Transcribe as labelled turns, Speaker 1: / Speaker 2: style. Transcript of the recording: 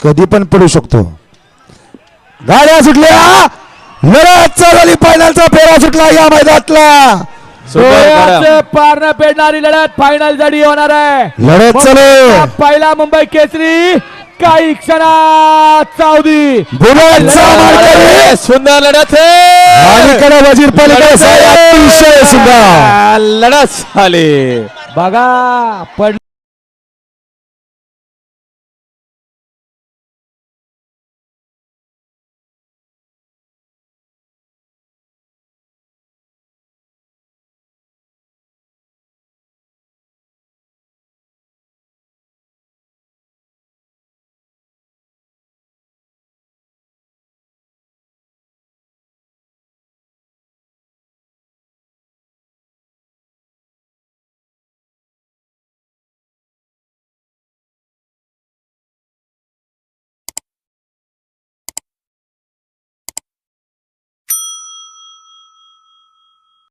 Speaker 1: कधी पण पडू शकतो. गाड्या सुटल्या, लढत झाली, फायनलचा फेरा सुटला या मैदानातला.
Speaker 2: पार न पेडणारी लढत फायनल जडी होणार आहे.
Speaker 1: लढत चालू,
Speaker 2: पहिला मुंबई केसरी काही क्षणात साऊदी
Speaker 1: बुलेटचा मारकरी.
Speaker 3: सुंदर लढत है
Speaker 1: अलीकडे वजीर पालिका अतिशय सुंदर
Speaker 3: लढत झाली
Speaker 2: बघा.